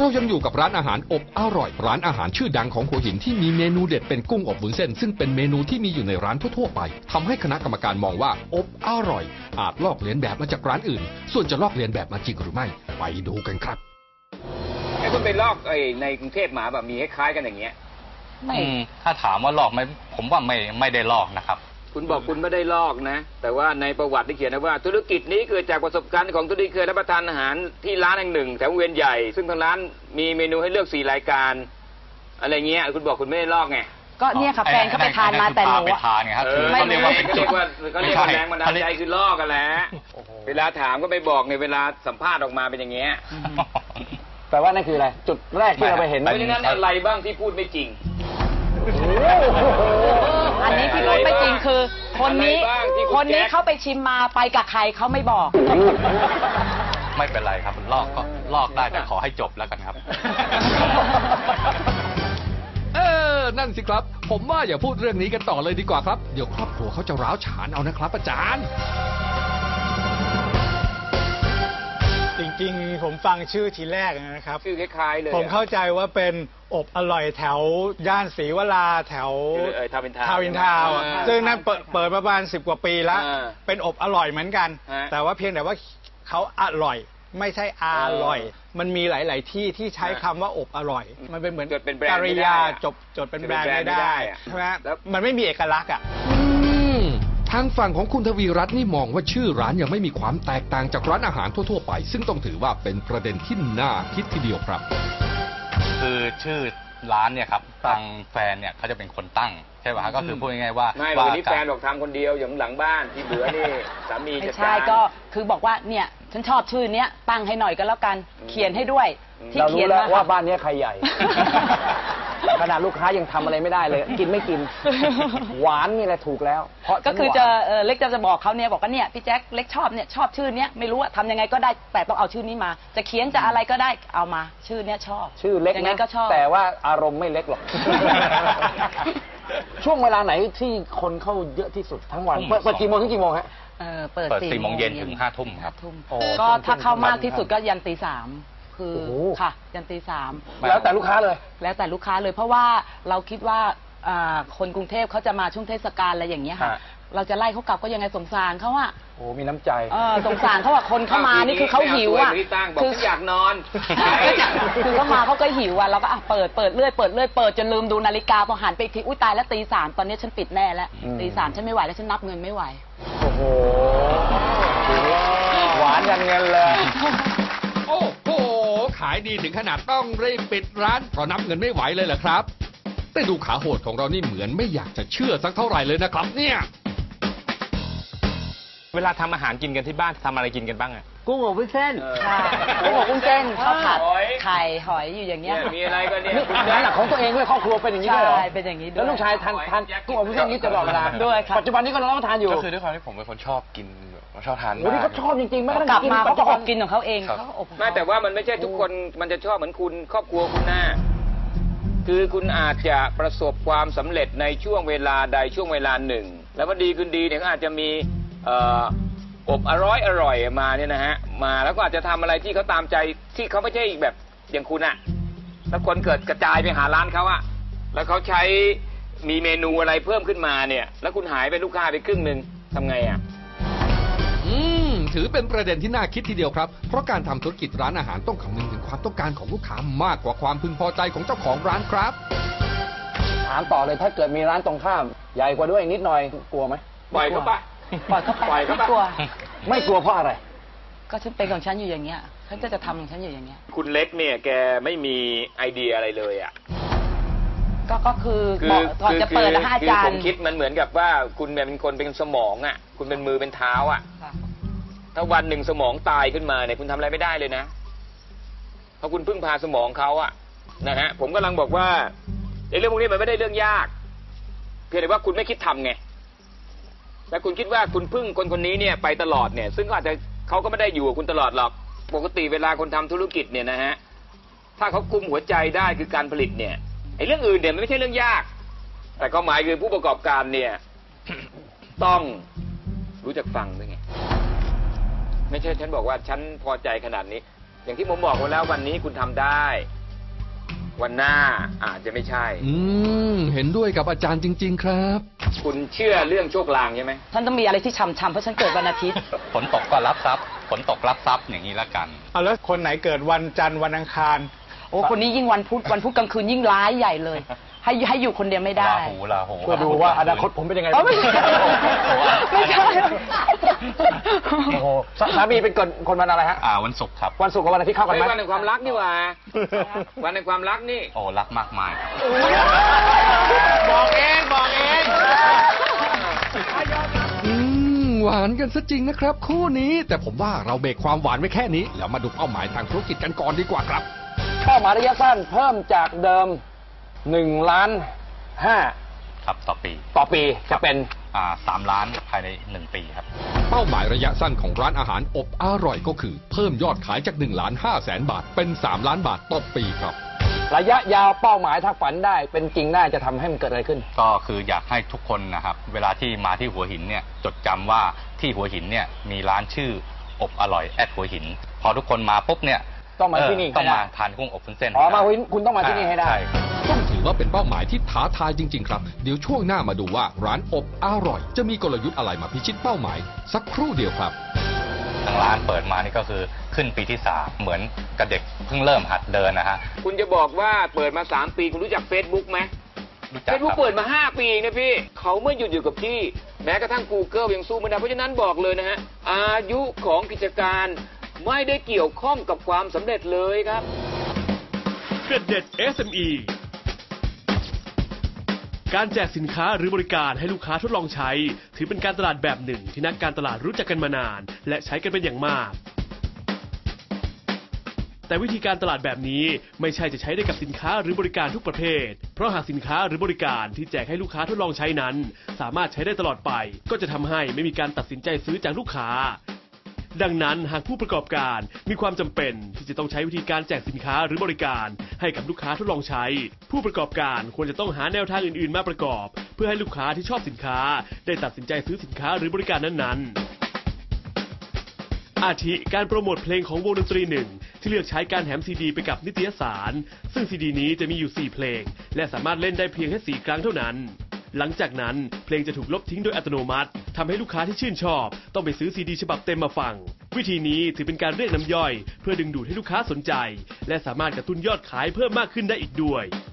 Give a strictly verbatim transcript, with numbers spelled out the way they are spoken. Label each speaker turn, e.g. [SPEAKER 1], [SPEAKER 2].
[SPEAKER 1] เรายังอยู่กับร้านอาหารอบอร่อยร้านอาหารชื่อดังของหัวหินที่มีเมนูเด็ดเป็นกุ้งอบวุ้นเส้นซึ่งเป็นเมนูที่มีอยู่ในร้านทั่วๆไปทำให้คณะกรรมการมองว่าอบอร่อยอาจลอกเลียนแบบมาจากร้านอื่นส่วนจะลอกเลียนแบบมาจริงหรือไม่ไปดูกันครับ
[SPEAKER 2] ไอ้คุณไปลอกไอ้ในกรุงเทพมาแบบมีคล้ายๆกันอย่างเงี้ย
[SPEAKER 3] ไม่ถ้าถามว่าลอกไหมผมว่าไม่ไม่ได้ลอกนะครับ
[SPEAKER 2] คุณบอกคุณไม่ได้ลอกนะแต่ว่าในประวัติที่เขียนนะว่าธุรกิจนี้เกิดจากประสบการณ์ของตัวเองเคยรับประทานอาหารที่ร้านแห่งหนึ่งแถวเวียนใหญ่ซึ่งทางร้านมีเมนูให้เลือกสี่รายการอะไรเงี้ยคุณบอกคุณไม่ได้ลอกไง
[SPEAKER 4] ก็เนี่ยค่ะแฟนก็ไปทานมาแต่หนู
[SPEAKER 3] ไปทานไงครับคือเขาเรียกว่าเป็นจุด
[SPEAKER 2] เขาเรียกว่าแรงบันดาลใจคือลอกกันแหละเวลาถามก็ไปบอกในเวลาสัมภาษณ์ออกมาเป็นอย่างเงี้ย
[SPEAKER 5] แปลว่านั่นคืออะไรจุดแรกที่เราไปเห็น
[SPEAKER 2] เพราะฉะนั้นอะไรบ้างที่พูดไม่จริง
[SPEAKER 4] อันนี้ที่พูดไม่จริงคือคนนี้คนนี้เขาไปชิมมาไปกับใครเขาไม่บอก
[SPEAKER 3] ไม่เป็นไรครับลอกก็ลอกได้แต่ขอให้จบแล้วกันครับ
[SPEAKER 1] เออนั่นสิครับผมว่าอย่าพูดเรื่องนี้กันต่อเลยดีกว่าครับเดี๋ยวครอบครัวเขาจะร้าวฉานเอานะครับอาจารย์
[SPEAKER 6] จริงๆผมฟังชื่อทีแรกนะครับ
[SPEAKER 2] ชื่อคล้ายๆเลย
[SPEAKER 6] ผมเข้าใจว่าเป็นอบอร่อยแถวย่านศรีวราแถว
[SPEAKER 2] ทาวน์อินทาวน์
[SPEAKER 6] ทาวน์อินทาวน์ซึ่งนั่นเปิดเปิดประมาณสิบกว่าปีแล้วเป็นอบอร่อยเหมือนกันแต่ว่าเพียงแต่ว่าเขาอร่อยไม่ใช่อร่อยมันมีหลายๆที่ที่ใช้คำว่าอบอร่อยมันเป็นเหมือนกริยาจบจดเป็นแบรนด์ไม่ได้ใช่ไหมมันไม่มีเอกลักษณ์อ่ะ
[SPEAKER 1] ทางฝั่งของคุณทวีรัตน์นี่มองว่าชื่อร้านยังไม่มีความแตกต่างจากร้านอาหารทั่วๆไปซึ่งต้องถือว่าเป็นประเด็นที่น่าคิดทีเดียวครับ
[SPEAKER 3] คือชื่อร้านเนี่ยครับทางแฟนเนี่ยเขาจะเป็นคนตั้งใช่ป่ะก็คือพูดง่ายๆว่า
[SPEAKER 2] ไม่วันนี้แฟนบอกทำคนเดียวอย่างหลังบ้านที่เหลือนี่สามีจัดการ
[SPEAKER 4] ใช่ก็คือบอกว่าเนี่ยฉันชอบชื่อเนี้ยตั้งให้หน่อยก็แล้วกันเขียนให้ด้วย
[SPEAKER 5] ที่เขียนว่าบ้านนี้ใครใหญ่ขนาดลูกค้ายังทำอะไรไม่ได้เลยกินไม่กินหวานนี่แหละถูกแล้วเพราะ
[SPEAKER 4] ก็คือจะเล็กจะจะบอกเขาเนี่ยบอกว่าเนี่ยพี่แจ็คเล็กชอบเนี่ยชอบชื่อเนี้ยไม่รู้ว่าทำยังไงก็ได้แต่ต้องเอาชื่อนี้มาจะเขียนจะอะไรก็ได้เอามาชื่อเนี้ยชอบ
[SPEAKER 5] ชื่อเล็กนะแต่ว่าอารมณ์ไม่เล็กหรอกช่วงเวลาไหนที่คนเข้าเยอะที่สุดทั้งวันเปิดกี่โมงถึงกี่โมงฮะ
[SPEAKER 4] เปิด
[SPEAKER 3] สี่โมงเย็นถึงห้าทุ่มครับ
[SPEAKER 4] ก็ถ้าเข้ามากที่สุดก็ยันตีสามคือค่ะยันตีสาม
[SPEAKER 5] แล้วแต่ลูกค้าเลย
[SPEAKER 4] แล้วแต่ลูกค้าเลยเพราะว่าเราคิดว่าคนกรุงเทพเขาจะมาช่วงเทศกาลอะไรอย่างเงี้ยค่ะเราจะไล่เขากลับก็ยังไงสงสารเขาอะ
[SPEAKER 5] โอ้มีน้ำใจ
[SPEAKER 4] สงสารเขาว่าคนเข้ามานี่คือเขาหิวอะ
[SPEAKER 2] คืออยากนอน
[SPEAKER 4] คือเขามาเขาก็หิวอะเราก็เปิดเปิดเรื่อยเปิดเรื่อยเปิดจนลืมดูนาฬิกาพอหันไปทีอุ้ยตายแล้วตีสามตอนนี้ฉันปิดแน่แล้วตีสามฉันไม่ไหวแล้วฉันนับเงินไม่ไหว
[SPEAKER 5] โอ้โหหวานยันเงินเลย
[SPEAKER 1] โอ้โหขายดีถึงขนาดต้องรีบปิดร้านเพราะนับเงินไม่ไหวเลยเหรอครับแต่ดูขาโหดของเรานี่เหมือนไม่อยากจะเชื่อสักเท่าไหร่เลยนะครับเนี่ย
[SPEAKER 2] เวลาทำอาหารกินกันที่บ้านทำอะไรกินกันบ้างอะ
[SPEAKER 5] กุ้งอบวุ้นเส้น
[SPEAKER 4] ค่ะกุ้งอบวุ้นเส้นข้าวผัดไข่หอยอยู่อย่างเงี้ย
[SPEAKER 2] มีอะไรก็เนี่ย
[SPEAKER 5] ร้านหลักของตัวเองด้วยครอบครัวเป็นอย่างนี้ด้วยเหรอ
[SPEAKER 4] ใช่เป็นอย่างนี้ด้วย
[SPEAKER 5] แล้วลูกชายทานทานกุ้งอบวุ้นเส้นนี้ตลอดเวลา
[SPEAKER 4] ด้วยครับ
[SPEAKER 5] ปัจจุบันนี้ก็รับประทานอยู่
[SPEAKER 3] ก็คือด้วยความที่ผมเป็นคนชอบกินชอบทาน
[SPEAKER 5] มากนี่เขาชอบจริงๆไม่
[SPEAKER 4] ต้องกลับมาเขาจะอบกินของเขาเองเขาอบ
[SPEAKER 2] ไม่แต่ว่ามันไม่ใช่ทุกคนมันจะชอบเหมือนคุณครอบครัวคุณหน้าคือคุณอาจจะประสบความสำเร็จในช่วงเวลาใดช่วงเวลาหนึ่งแล้วมันดีขึ้นดีเนี่ยก็อาจจะมีอบอร่อยอร่อยมาเนี่ยนะฮะมาแล้วก็อาจจะทำอะไรที่เขาตามใจที่เขาไม่ใช่แบบอย่างคุณอะแล้วคนเกิดกระจายไปหาร้านเขาอะแล้วเขาใช้มีเมนูอะไรเพิ่มขึ้นมาเนี่ยแล้วคุณหายไปลูกค้าไปครึ่งหนึ่งทำไงอะ
[SPEAKER 1] อืมถือเป็นประเด็นที่น่าคิดทีเดียวครับเพราะการทำธุรกิจร้านอาหารต้องคำนึงถึงความต้องการของลูกค้ามากกว่าความพึงพอใจของเจ้าของร้านครับ
[SPEAKER 5] ถามต่อเลยถ้าเกิดมีร้านตรงข้ามใหญ่กว่าด้วยนิดหน่อยกลัวไหม
[SPEAKER 2] ปล่อยเขาไป
[SPEAKER 4] ปล่อยเขาไปไม่กลัว
[SPEAKER 5] ไม่กลัวเพราะอะไร
[SPEAKER 4] ก็ฉันเป็นของฉันอยู่อย่างเงี้ยฉันก็จะทำของฉันอยู่อย่างเงี้ย
[SPEAKER 2] คุณเล็กเนี่ยแกไม่มีไอเดียอะไรเลยอ่ะ
[SPEAKER 4] ก็ก็คือก่อนจะเปิดนะอาจารย์
[SPEAKER 2] ผมคิดมันเหมือนกับว่าคุณเป็นคนเป็นสมองอ่ะคุณเป็นมือเป็นเท้าอ่ะถ้าวันหนึ่งสมองตายขึ้นมาเนี่ยคุณทำอะไรไม่ได้เลยนะเพราะคุณพึ่งพาสมองเขาอ่ะนะฮะผมกำลังบอกว่าในเรื่องพวกนี้มันไม่ได้เรื่องยากเพียงแต่ว่าคุณไม่คิดทำไงแต่คุณคิดว่าคุณพึ่งคนคนนี้เนี่ยไปตลอดเนี่ยซึ่งก็อาจจะเขาก็ไม่ได้อยู่กับคุณตลอดหรอกปกติเวลาคนทำธุรกิจเนี่ยนะฮะถ้าเขาคุมหัวใจได้คือการผลิตเนี่ยไอ้เรื่องอื่นเนี่ยมันไม่ใช่เรื่องยากแต่ความหมายคือผู้ประกอบการเนี่ย ต้องรู้จักฟังด้วยไงไม่ใช่ฉันบอกว่าฉันพอใจขนาดนี้อย่างที่ผมบอกไว้แล้ววันนี้คุณทำได้วันหน้าอาจจะไม่ใช่
[SPEAKER 1] อืมเห็นด้วยกับอาจารย์จริง ๆ ครับ
[SPEAKER 2] คุณเชื่อเรื่องโชคลางใช่ไหม
[SPEAKER 4] ฉันต้องมีอะไรที่ช่ำๆเพราะฉันเกิดวันอาทิตย์
[SPEAKER 3] ฝนตกก็รับทรัพย์ฝนตกรับทรัพย์อย่างนี้ละกัน
[SPEAKER 6] เอาแล้วคนไหนเกิดวันจันทร์วันอังคาร
[SPEAKER 4] โอ้คนนี้ยิ่งวันพุธวันพุธกลางคืนยิ่งร้ายใหญ่เลย ให้ให้อยู่คนเดียวไม่ได้
[SPEAKER 3] ลาหูลาหู
[SPEAKER 5] เพื่อดูว่าอนาคตผมเป็นยังไง
[SPEAKER 4] อ๋อไม่ใช่ไม่ใช่
[SPEAKER 5] โอ้โหสสามีเป็นคนคนวันอะไรฮะ
[SPEAKER 3] อ่าวันศุกร์ครับ
[SPEAKER 5] วันศุกร์กับวันอาทิตย์เข้ากันไหม
[SPEAKER 2] วันแห่งความรักนี่หว่า วันแห่งความรักนี่
[SPEAKER 3] โอ้รักมากมายครับ
[SPEAKER 2] บอกเองบอกเอง
[SPEAKER 1] อืมหวานกันซะจริงนะครับ คู่นี้ แต่ผมว่าเราเบรกความหวานไว้แค่นี้ แล้วมาดูเป้าหมายทางธุรกิจกันก่อนดีกว่าครับ
[SPEAKER 5] เป้าหมายระยะสั้นเพิ่มจากเดิมหนึ่งล้านห้า
[SPEAKER 3] ครับต่อปี
[SPEAKER 5] ต่อปีจะเป็น
[SPEAKER 3] อ่าสามล้านภายในหนึ่งปีครับ
[SPEAKER 1] เป้าหมายระยะสั้นของร้านอาหารอบอร่อยก็คือ เพิ่มยอดขายจากหนึ่งล้านห้าแสนบาทเป็นสามล้านบาทต่อปีครับ
[SPEAKER 5] ระยะยาวเป้าหมายถ้าฝันได้เป็นจริงได้จะทำให้มันเกิดอะไรขึ้น
[SPEAKER 3] ก็คืออยากให้ทุกคนนะครับ เวลาที่มาที่หัวหินเนี่ยจดจำว่าที่หัวหินเนี่ยมีร้านชื่ออบอร่อยแอดหัวหิน พอทุกคนมาปุ๊บเนี่ย
[SPEAKER 5] ต้องมาที่นี่
[SPEAKER 3] เต้อง
[SPEAKER 5] ให้ได้
[SPEAKER 3] มาทานกุ้งอบวุ้นเส้น
[SPEAKER 5] อ๋อมาหัวหินคุณต้องมาที่นี่ให้ได้
[SPEAKER 3] ใช่ครับ
[SPEAKER 1] ต้องถือว่าเป็นเป้าหมายที่ท้าทายจริง ๆ ครับ เดี๋ยวช่วงหน้ามาดูว่าร้านอบอร่อย จะมีกลยุทธ์อะไรมาพิชิตเป้าหมาย สักครู่เดียวครับ
[SPEAKER 3] ทางร้านเปิดมานี่ก็คือขึ้นปีที่สามเหมือนกับเด็กเพิ่งเริ่มหัดเดินนะฮะ
[SPEAKER 2] คุณจะบอกว่าเปิดมาสามปีคุณรู้จัก Facebook ไหม
[SPEAKER 3] รู้จัก
[SPEAKER 2] เฟซบุ๊
[SPEAKER 3] ค
[SPEAKER 2] ก
[SPEAKER 3] รับ
[SPEAKER 2] เปิดมาห้าปีเองนะพี่ เขาไม่หยุดอยู่กับที่ แม้กระทั่ง Google ยังสู้ไม่ได้เพราะฉะนั้นบอกเลยนะฮะ อายุของกิจการไม่ได้เกี่ยวข้องกับความสำเร็จเลยครับ
[SPEAKER 7] เกร็ดเด็ด เอส เอ็ม อี การแจกสินค้าหรือบริการให้ลูกค้าทดลองใช้ ถือเป็นการตลาดแบบหนึ่งที่นักการตลาดรู้จักกันมานาน และใช้กันเป็นอย่างมาก แต่วิธีการตลาดแบบนี้ไม่ใช่จะใช้ได้กับสินค้าหรือบริการทุกประเภท เพราะหากสินค้าหรือบริการที่แจกให้ลูกค้าทดลองใช้นั้น สามารถใช้ได้ตลอดไป ก็จะทำให้ไม่มีการตัดสินใจซื้อจากลูกค้า ดังนั้นหากผู้ประกอบการมีความจำเป็นที่จะต้องใช้วิธีการแจกสินค้าหรือบริการให้กับลูกค้าทดลองใช้ ผู้ประกอบการควรจะต้องหาแนวทางอื่นๆมาประกอบ เพื่อให้ลูกค้าที่ชอบสินค้าได้ตัดสินใจซื้อสินค้าหรือบริการนั้นๆอาทิการโปรโมทเพลงของวงดนตรีหนึ่งที่เลือกใช้การแถมซีดีไปกับนิตยสารซึ่งซีดีนี้จะมีอยู่สี่เพลงและสามารถเล่นได้เพียงแค่สี่ครั้งเท่านั้นหลังจากนั้นเพลงจะถูกลบทิ้งโดยอัตโนมัติทำให้ลูกค้าที่ชื่นชอบต้องไปซื้อซีดีฉบับเต็มมาฟังวิธีนี้ถือเป็นการเรียกน้ำย่อยเพื่อดึงดูดให้ลูกค้าสนใจและสามารถกระตุ้นยอดขายเพิ่มมากขึ้นได้อีกด้วย